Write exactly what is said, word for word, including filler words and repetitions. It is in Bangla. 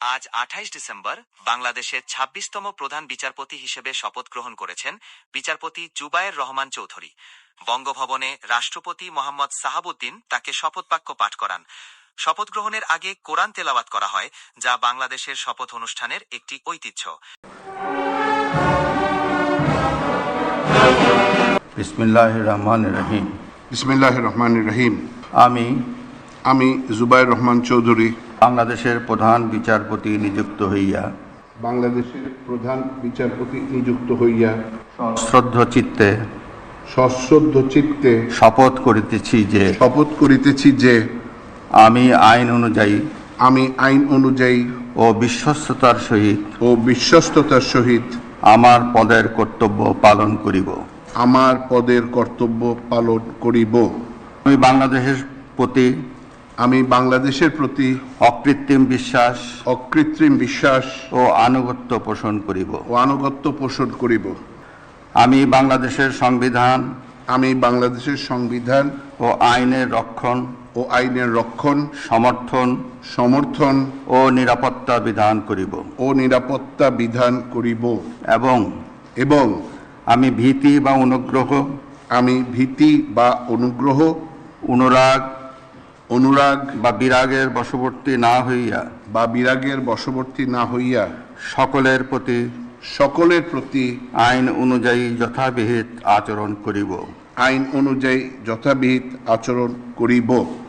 আজ আঠাইশ ডিসেম্বর বাংলাদেশের ছাব্বিশতম প্রধান বিচারপতি হিসেবে শপথ গ্রহণ করেছেন বিচারপতি জুবায়ের রহমান চৌধুরী। বঙ্গভবনে রাষ্ট্রপতি মোহাম্মদ সাহাবুদ্দিন তাকে শপথবাক্য পাঠ করান। শপথ গ্রহণের আগে কোরআন তেলাওয়াত করা হয়, যা বাংলাদেশের শপথ অনুষ্ঠানের একটি ঐতিহ্য। বিসমিল্লাহির রহমানির রহিম। বিসমিল্লাহির রহমানির রহিম। আমি আমি জুবায়ের রহমান চৌধুরী বাংলাদেশের প্রধান বিচারপতি নিযুক্ত হইয়া বাংলাদেশের প্রধান বিচারপতি নিযুক্ত হইয়া শ্রদ্ধ চিত্তে সশ্রদ্ধ চিত্তে শপথ করিতেছি যে শপথ করিতেছি যে আমি আইন অনুযায়ী আমি আইন অনুযায়ী ও বিশ্বস্ততার সহিত ও বিশ্বস্ততার সহিত আমার পদের কর্তব্য পালন করিব। আমার পদের কর্তব্য পালন করিব। আমি বাংলাদেশের প্রতি আমি বাংলাদেশের প্রতি অকৃত্রিম বিশ্বাস অকৃত্রিম বিশ্বাস ও আনুগত্য পোষণ করিব ও আনুগত্য পোষণ করিব। আমি বাংলাদেশের সংবিধান আমি বাংলাদেশের সংবিধান ও আইনের রক্ষণ ও আইনের রক্ষণ সমর্থন সমর্থন ও নিরাপত্তা বিধান করিব ও নিরাপত্তা বিধান করিব এবং এবং আমি ভীতি বা অনুগ্রহ আমি ভীতি বা অনুগ্রহ অনুরাগ অনুরাগ বা বিরাগের বশবর্তী না হইয়া বা বিরাগের বশবর্তী না হইয়া সকলের প্রতি সকলের প্রতি আইন অনুযায়ী যথাবিহিত আচরণ করিব। আইন অনুযায়ী যথাবিহিত আচরণ করিব।